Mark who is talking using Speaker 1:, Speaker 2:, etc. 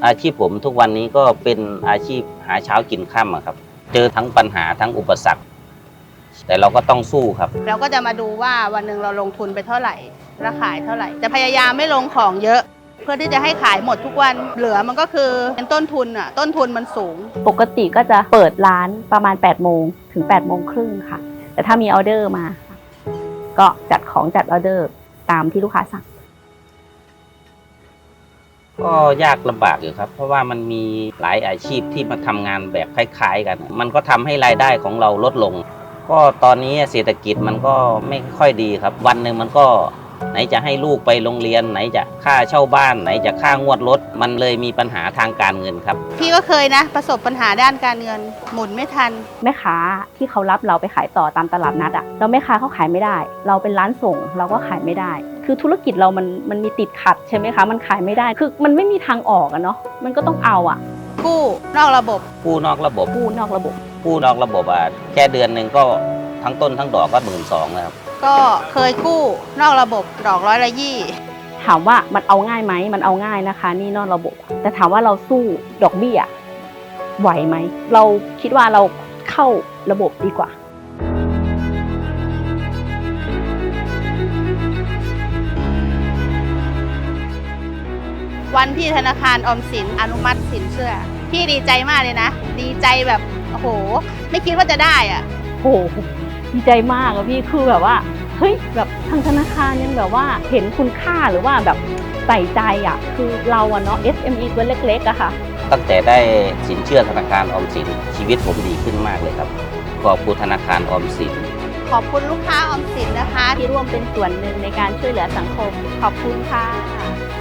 Speaker 1: อาชีพผมทุกวันนี้ก็เป็นอาชีพหาเช้ากินค่ำอะครับเจอทั้งปัญหาทั้งอุปสรรคแต่เราก็ต้องสู้ครับ
Speaker 2: เราก็จะมาดูว่าวันหนึ่งเราลงทุนไปเท่าไหร่ราขายเท่าไหร่จะพยายามไม่ลงของเยอะ เพื่อที่จะให้ขายหมดทุกวันเหลือมันก็คือเป็นต้นทุนอ่ะต้นทุนมันสูง
Speaker 3: ปกติก็จะเปิดร้านประมาณ8 โมงถึง8 โมงครึ่งค่ะแต่ถ้ามีออเดอร์มาก็จัดของจัดออเดอร์ตามที่ลูกค้าสั่ง
Speaker 1: ก็ยากลำบากอยู่ครับเพราะว่ามันมีหลายอาชีพที่มาทำงานแบบคล้ายๆกันมันก็ทำให้รายได้ของเราลดลงก็ตอนนี้เศรษฐกิจมันก็ไม่ค่อยดีครับวันหนึ่งมันก็ไหนจะให้ลูกไปโรงเรียนไหนจะค่าเช่าบ้านไหนจะค่างวดรถมันเลยมีปัญหาทางการเงินครับ
Speaker 2: พี่ก็เคยนะประสบปัญหาด้านการเงินหมุนไม่ทัน
Speaker 3: แม่ค้าที่เขารับเราไปขายต่อตามตลาดนัดแล้วแม่ค้าเขาขายไม่ได้เราเป็นร้านส่งเราก็ขายไม่ได้คือธุรกิจเรามันมีติดขัดใช่ไหมคะมันขายไม่ได้คือมันไม่มีทางออกเนาะมันก็ต้องเอา
Speaker 2: กู้นอกระบบ
Speaker 1: กู้นอกระบบ
Speaker 3: กู้นอกระบบ
Speaker 1: กู้นอกระบบแค่เดือนหนึ่งก็ทั้งต้นทั้งดอกก็12,000แล้วครับ
Speaker 2: ก็เคยกู้นอกระบบดอก120
Speaker 3: ถามว่ามันเอาง่ายไหมมันเอาง่ายนะคะนี่นอกระบบแต่ถามว่าเราสู้ดอกเบี้ยไหวไหมเราคิดว่าเราเข้าระบบดีกว่า
Speaker 2: วันที่ธนาคารออมสินอนุมัติสินเชื่อพี่ดีใจมากเลยนะดีใจแบบโอ้โหไม่คิดว่าจะได้
Speaker 3: โอ้ดีใจมากพี่คือแบบว่าเฮ้ยแบบทางธนาคารยังแบบว่าเห็นคุณค่าหรือว่าแบบใส่ใจคือเราเนาะ SME ตัวเล็กๆค่ะ
Speaker 1: ตั้งแต่ได้สินเชื่อธนาคารออมสินชีวิตผมดีขึ้นมากเลยครับขอบคุณธนาคารออมสิน
Speaker 2: ขอบคุณลูกค้าออมสินนะคะ
Speaker 3: ที่ร่วมเป็นส่วนหนึ่งในการช่วยเหลือสังคมขอบคุณค่ะ